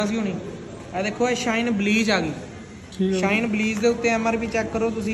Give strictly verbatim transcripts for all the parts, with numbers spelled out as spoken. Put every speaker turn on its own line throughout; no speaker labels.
ਹੋਣੀ ਇਹ ਦੇਖੋ ਇਹ ਸ਼ਾਈਨ ਬਲੀਚ ਆ ਗਈ। ਸ਼ਾਈਨ ਬਲੀਚ ਦੇ ਉੱਤੇ ਐਮ ਆਰ ਪੀ ਚੈੱਕ ਕਰੋ ਤੁਸੀਂ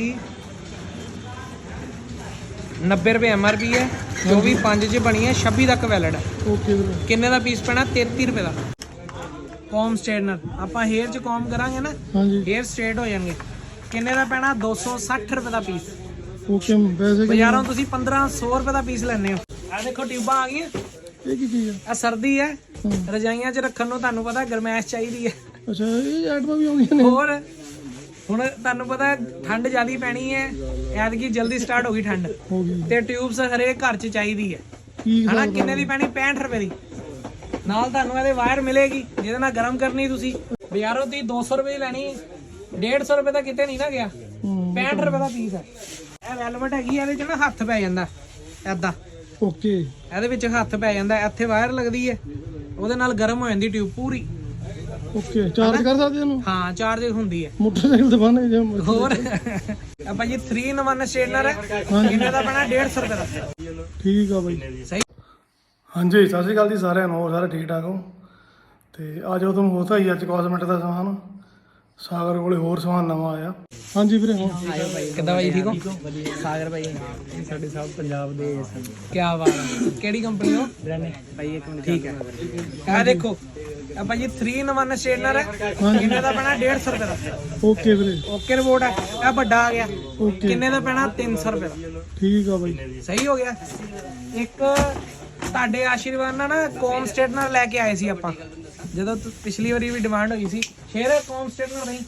नब्बे रुपए एम आर पी है जो भी पाँच च बनी है छब्बी तक वैलिड है।
ओके
किन्ने का पीस पैना तेती रुपए का। कॉम स्ट्रेटनर आप हेयर च कॉम करांगे ना हेयर स्ट्रेट हो जाएंगे किन्ने का पैना दो सौ सठ रुपए का पीस।
ओके
बाजारों तुसी पंद्रह सौ रुपए का पीस लेने हो। आ देखो ट्यूबा आ गई
ਇਹ ਕੀ ਚੀਜ਼
ਆ ਸਰਦੀ ਹੈ ਰਜਾਈਆਂ 'ਚ ਰੱਖਣ ਨੂੰ ਤੁਹਾਨੂੰ ਪਤਾ ਗਰਮੈਸ਼ ਚਾਹੀਦੀ ਹੈ।
ਅੱਛਾ ਇਹ ਆਈਟਮਾਂ ਵੀ ਆਉਂਦੀਆਂ ਨੇ
ਹੋਰ ਹੁਣ ਤੁਹਾਨੂੰ ਪਤਾ ਠੰਡ ਜ਼ਿਆਦੀ ਪੈਣੀ ਹੈ ਐਤਕੀ ਜਲਦੀ ਸਟਾਰਟ ਹੋ ਗਈ ਠੰਡ
ਹੋ ਗਈ
ਤੇ ਟਿਊਬਸ ਹਰੇਕ ਘਰ 'ਚ ਚਾਹੀਦੀ ਹੈ
ਠੀਕ
ਹਨਾ। ਕਿੰਨੇ ਦੀ ਪੈਣੀ ਪੈਂਹਠ ਰੁਪਏ ਦੀ ਨਾਲ ਤੁਹਾਨੂੰ ਇਹਦੇ ਵਾਇਰ ਮਿਲੇਗੀ ਜਿਹਦੇ ਨਾਲ ਗਰਮ ਕਰਨੀ ਤੁਸੀਂ ਬਾਜ਼ਾਰੋਂ ਤੁਸੀਂ ਦੋ ਸੌ ਰੁਪਏ ਦੀ ਲੈਣੀ ਡੇਢ ਸੌ ਰੁਪਏ ਦਾ ਕਿਤੇ ਨਹੀਂ ਨਾ ਗਿਆ ਪੈਂਹਠ ਰੁਪਏ ਦਾ ਪੀਸ ਹੈ। ਇਹ ਵੈਲਵਟ ਹੈਗੀ ਇਹਦੇ 'ਚ ਨਾ ਹੱਥ ਪੈ ਜਾਂਦਾ ਐਦਾਂ
ਓਕੇ
ਇਹਦੇ ਵਿੱਚ ਹੱਥ ਪੈ ਜਾਂਦਾ ਇੱਥੇ ਵਾਇਰ ਲੱਗਦੀ ਹੈ ਉਹਦੇ ਨਾਲ ਗਰਮ ਹੋ ਜਾਂਦੀ ਟਿਊਬ ਪੂਰੀ।
ਓਕੇ ਚਾਰਜ ਕਰ ਸਕਦੇ ਇਹਨੂੰ
ਹਾਂ ਚਾਰਜ ਹੁੰਦੀ ਹੈ
ਮੋਟਰਸਾਈਕਲ ਤੇ ਬੰਨੇ ਜੇ
ਹੋਰ ਆ ਭਾਜੀ थ्री in वन ਸਟੇਨਰ ਹੈ ਇਹਨਾਂ ਦਾ ਬਣਾ ਡੇਢ ਸੌ ਰੁਪਏ ਦਾ।
ਠੀਕ ਆ ਬਾਈ
ਸਹੀ
ਹਾਂਜੀ ਸਤਿ ਸ਼੍ਰੀ ਅਕਾਲ ਜੀ ਸਾਰਿਆਂ ਨੂੰ। ਸਾਰੇ ਠੀਕ ਠਾਕ ਹੋ ਤੇ ਅੱਜ ਉਹ ਤੁਹਾਨੂੰ ਹੋਤਾ ਹੀ ਅੱਜ ਕਾਸਮੈਟਿਕ ਦਾ ਸਮਾਨ ਸਾਗਰ ਕੋਲੇ ਹੋਰ ਸਮਾਨ ਨਵਾਂ ਆਇਆ। ਹਾਂਜੀ ਵੀਰੇ ਹਾਂ
ਆਇਓ ਭਾਈ ਕਿੱਦਾਂ ਭਾਈ ਠੀਕ ਹੋ ਸਾਗਰ ਭਾਈ
ਸਾਡੇ ਸਭ ਪੰਜਾਬ ਦੇ
ਕੀ ਬਾਤ ਹੈ ਕਿਹੜੀ ਕੰਪਨੀ ਹੋ ਭਾਈ ਇੱਕ ਮਿੰਟ ਠੀਕ ਹੈ ਆ ਦੇਖੋ ਆ ਭਾਜੀ थ्री in वन ਸਟੇਨਰ ਹੈ ਇਹਨਾਂ ਦਾ ਬਣਾ ਡੇਢ ਸੌ ਰੁਪਏ ਦਾ।
ਓਕੇ ਵੀਰੇ
ਓਕੇ ਰਿਪੋਰਟ ਹੈ ਇਹ ਵੱਡਾ ਆ ਗਿਆ
ਓਕੇ
ਕਿੰਨੇ ਦਾ ਪੈਣਾ ਤਿੰਨ ਸੌ ਰੁਪਏ ਦਾ।
ਠੀਕ ਆ ਬਾਈ
ਸਹੀ ਹੋ ਗਿਆ। ਇੱਕ ਤੁਹਾਡੇ ਆਸ਼ੀਰਵਾਦ ਨਾਲ ਨਾ ਕੌਮ ਸਟੇਟਨਰ ਲੈ ਕੇ ਆਏ ਸੀ ਆਪਾਂ ਜਦੋਂ ਪਿਛਲੀ ਵਾਰੀ ਵੀ ਡਿਮਾਂਡ ਹੋਈ ਸੀ ਸ਼ੇਰ ਕੌਮ ਸਟੇਟਨਰ ਨਹੀਂ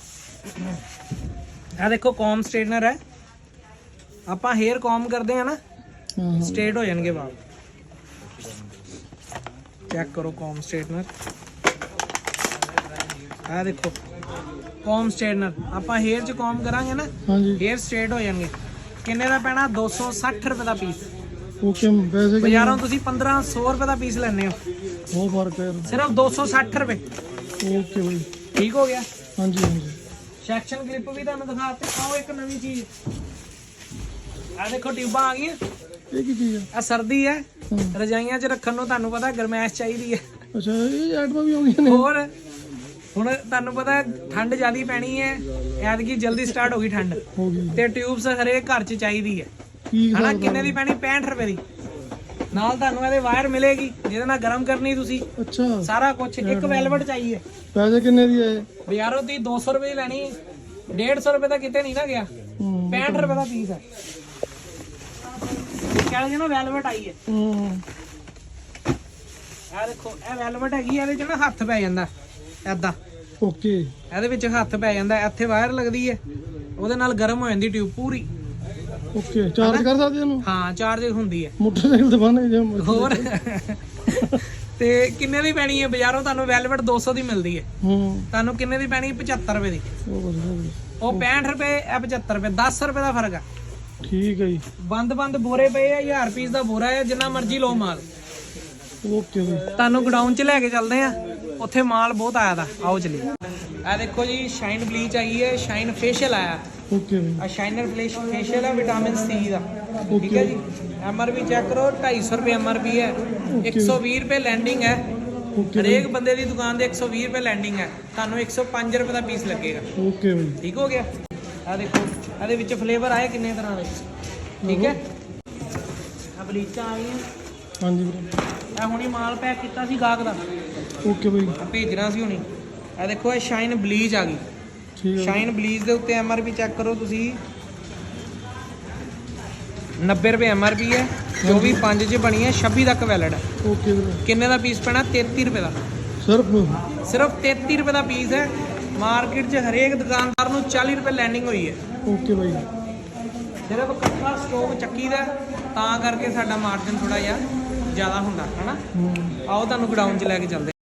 ਆ ਦੇਖੋ ਕੌਮ ਸਟੇਟਨਰ ਹੈ ਆਪਾਂ ਹੇਅਰ ਕੌਮ ਕਰਦੇ ਆ ਨਾ ਸਟ੍ਰੇਟ ਹੋ ਜਾਣਗੇ ਵਾਲ। ਚੈੱਕ ਕਰੋ ਕੌਮ ਸਟੇਟਨਰ ਆ ਦੇਖੋ ਕੌਮ ਸਟੇਟਨਰ ਆਪਾਂ ਹੇਅਰ ਚ ਕੌਮ ਕਰਾਂਗੇ ਨਾ ਹੇਅਰ ਸਟ੍ਰੇਟ ਹੋ ਜਾਣਗੇ ਕਿੰਨੇ ਦਾ ਪੈਣਾ ਦੋ ਸੌ ਸੱਠ ਰੁਪਏ ਦਾ ਪੀਸ।
ਓਕੇ ਵੈਸੇ
ਬਾਜ਼ਾਰੋਂ ਤੁਸੀਂ ਪੰਦਰਾਂ ਸੌ ਰੁਪਏ ਦਾ ਪੀਸ ਲੈਣੇ ਹੋ
ਬਹੁਤ ਫਰਕ ਹੈ
ਸਿਰਫ ਦੋ ਸੌ ਸੱਠ ਰੁਪਏ।
ਓਕੇ ਬਾਈ
ਠੀਕ ਹੋ ਗਿਆ।
ਹਾਂਜੀ ਹਾਂਜੀ
ਸੈਕਸ਼ਨ ਕਲਿੱਪ ਵੀ ਤੁਹਾਨੂੰ ਦਿਖਾਤੇ। ਆਓ ਇੱਕ ਨਵੀਂ ਚੀਜ਼ ਆ ਦੇਖੋ ਟਿਊਬਾਂ ਆ ਗਈਆਂ
ਇਹ ਕੀ ਚੀਜ਼
ਆ ਸਰਦੀ ਹੈ ਰਜਾਈਆਂ 'ਚ ਰੱਖਣ ਨੂੰ ਤੁਹਾਨੂੰ ਪਤਾ ਗਰਮੈਸ਼ ਚਾਹੀਦੀ ਹੈ।
ਅੱਛਾ ਇਹ ਆਈਟਮਾਂ ਵੀ ਆਉਂਦੀਆਂ ਨੇ
ਹੋਰ ਹੁਣ ਤੁਹਾਨੂੰ ਪਤਾ ਠੰਡ ਜ਼ਿਆਦੀ ਪੈਣੀ ਹੈ ਐਤਕੀ ਜਲਦੀ ਸਟਾਰਟ ਹੋ ਗਈ ਠੰਡ
ਹੋ ਗਈ
ਤੇ ਟਿਊਬਸ ਹਰੇਕ ਘਰ 'ਚ ਚਾਹੀਦੀ ਹੈ
ਠੀਕ
ਹਨਾ। ਕਿੰਨੇ ਦੀ ਪੈਣੀ ਪੈਂਹਠ ਰੁਪਏ ਦੀ ਨਾਲ ਤੁਹਾਨੂੰ ਇਹਦੇ ਵਾਇਰ ਮਿਲੇਗੀ ਜਿਹਦੇ ਨਾਲ ਗਰਮ ਕਰਨੀ ਤੁਸੀਂ
ਅੱਛਾ
ਸਾਰਾ ਕੁਝ। ਇੱਕ ਵੈਲਵਟ ਚਾਹੀਏ
ਪੈਸੇ ਕਿੰਨੇ ਦੀ ਹੈ
ਬਾਜ਼ਾਰੋਂ ਤੁਸੀਂ ਦੋ ਸੌ ਰੁਪਏ ਦੀ ਲੈਣੀ ਡੇਢ ਸੌ ਰੁਪਏ ਦਾ ਕਿਤੇ ਨਹੀਂ ਨਾ ਗਿਆ ਪੈਂਹਠ ਰੁਪਏ ਦਾ ਪੀਸ ਹੈ। ਕਹਿੰਦੇ ਨਾ ਵੈਲਵਟ ਆਈ ਹੈ ਇਹ ਦੇਖੋ ਇਹ ਵੈਲਵਟ ਹੈਗੀ ਇਹਦੇ 'ਚ ਨਾ ਹੱਥ ਪੈ ਜਾਂਦਾ ਐਦਾਂ
ਓਕੇ
ਇਹਦੇ ਵਿੱਚ ਹੱਥ ਪੈ ਜਾਂਦਾ ਇੱਥੇ ਵਾਇਰ ਲੱਗਦੀ ਹੈ ਉਹਦੇ ਨਾਲ ਗਰਮ ਹੋ ਜਾਂਦੀ ਟਿਊਬ ਪੂਰੀ।
ਓਕੇ ਚਾਰਜ ਕਰ ਸਕਦੇ ਇਹਨੂੰ
ਹਾਂ ਚਾਰਜ ਹੁੰਦੀ ਹੈ
ਮੋਟਰਸਾਈਕਲ ਤੇ ਬੰਨੇ ਜੇ
ਹੋਰ ਤੇ ਕਿੰਨੇ ਦੀ ਪੈਣੀ ਹੈ ਬਾਜ਼ਾਰੋਂ ਤੁਹਾਨੂੰ ਵੈਲਵਟ ਦੋ ਸੌ ਦੀ ਮਿਲਦੀ ਹੈ
ਹੂੰ
ਤੁਹਾਨੂੰ ਕਿੰਨੇ ਦੀ ਪੈਣੀ ਪਚੱਤਰ ਰੁਪਏ ਦੀ
ਉਹ ਵਧੀਆ
ਉਹ ਪੈਂਹਠ ਰੁਪਏ ਇਹ ਪਚੱਤਰ ਰੁਪਏ ਦਸ ਰੁਪਏ ਦਾ ਫਰਕ ਆ।
ਠੀਕ ਹੈ ਜੀ
ਬੰਦ ਬੰਦ ਬੋਰੇ ਪਏ ਆ ਹਜ਼ਾਰ ਪੀਸ ਦਾ ਬੋਰਾ ਹੈ ਜਿੰਨਾ ਮਰਜ਼ੀ ਲਓ ਮਾਲ।
ਓਕੇ ਜੀ
ਤੁਹਾਨੂੰ ਗਡਾਊਨ 'ਚ ਲੈ ਕੇ ਚੱਲਦੇ ਆ ਉੱਥੇ ਮਾਲ ਬਹੁਤ ਆਇਆ ਦਾ ਆਓ ਚਲੀਏ। ਆ ਦੇਖੋ ਜੀ ਸ਼ਾਈਨ ਬਲੀਚ ਆਈ ਹੈ ਸ਼ਾਈਨ ਫੇਸ਼ੀਅਲ ਆਇਆ
ਓਕੇ ਜੀ
ਆ ਸ਼ਾਈਨਰ ਫੇਸ਼ੀਅਲ ਹੈ ਵਿਟਾਮਿਨ ਸੀ ਦਾ ਠੀਕ ਹੈ ਜੀ। ਐਮ ਆਰ ਪੀ ਚੈੱਕ ਕਰੋ ਢਾਈ ਸੌ ਰੁਪਏ ਐਮ ਆਰ ਪੀ ਹੈ ਇੱਕ ਸੌ ਵੀਹ ਰੁਪਏ ਲੈਂਡਿੰਗ ਹੈ ਹਰੇਕ ਬੰਦੇ ਦੀ ਦੁਕਾਨ ਦੇ ਇੱਕ ਸੌ ਵੀਹ ਰੁਪਏ ਲੈਂਡਿੰਗ ਹੈ ਤੁਹਾਨੂੰ ਇੱਕ ਸੌ ਪੰਜ ਰੁਪਏ ਦਾ ਪੀਸ ਲੱਗੇਗਾ।
ਓਕੇ ਜੀ
ਠੀਕ ਹੋ ਗਿਆ। ਆ ਦੇਖੋ ਇਹਦੇ ਵਿੱਚ ਫਲੇਵਰ ਆਏ ਕਿੰਨੇ ਤਰ੍ਹਾਂ ਦੇ ਠੀਕ ਹੈ। ਆ ਬਲੀਚਾਂ ਆ ਗਈਆਂ
ਹਾਂਜੀ ਵੀਰੇ
ਇਹ ਹੁਣੀ ਮਾਲ ਪੈਕ ਕੀਤਾ ਸੀ ਗਾਹਕ ਦਾ
ਓਕੇ ਬਾਈ
ਭੇਜਣਾ ਸੀ ਹੁਣੀ। ਇਹ ਦੇਖੋ ਇਹ ਸ਼ਾਈਨ ਬਲੀਚ ਆ ਗਈ
ਠੀਕ ਹੈ
ਸ਼ਾਈਨ ਬਲੀਚ ਦੇ ਉੱਤੇ ਐਮ ਆਰ ਪੀ ਚੈੱਕ ਕਰੋ ਤੁਸੀਂ ਨੱਬੇ ਰੁਪਏ ਐਮ ਆਰ ਪੀ ਹੈ ਜੋ ਵੀ ਪੰਜ 'ਚ ਬਣੀ ਹੈ ਛੱਬੀ ਤੱਕ ਵੈਲਿਡ ਹੈ।
ਓਕੇ ਵੀਰੇ
ਕਿੰਨੇ ਦਾ ਪੀਸ ਪੈਣਾ ਤੇਤੀ ਰੁਪਏ ਦਾ
ਸਿਰਫ
ਸਿਰਫ ਤੇਤੀ ਰੁਪਏ ਦਾ ਪੀਸ ਹੈ। ਮਾਰਕੀਟ 'ਚ ਹਰੇਕ ਦੁਕਾਨਦਾਰ ਨੂੰ ਚਾਲੀ ਰੁਪਏ ਲੈਂਡਿੰਗ ਹੋਈ ਹੈ
ਓਕੇ ਬਾਈ
ਸਿਰਫ ਇਕੱਠਾ ਸਟੋਕ ਚੱਕੀ ਦਾ ਤਾਂ ਕਰਕੇ ਸਾਡਾ ਮਾਰਜਨ ਥੋੜਾ ਜਿਹਾ ਜ਼ਿਆਦਾ ਹੁੰਦਾ ਹੈ ਨਾ। ਆਓ ਤੁਹਾਨੂੰ ਗਡਾਊਨ 'ਚ ਲੈ ਕੇ ਚੱਲਦੇ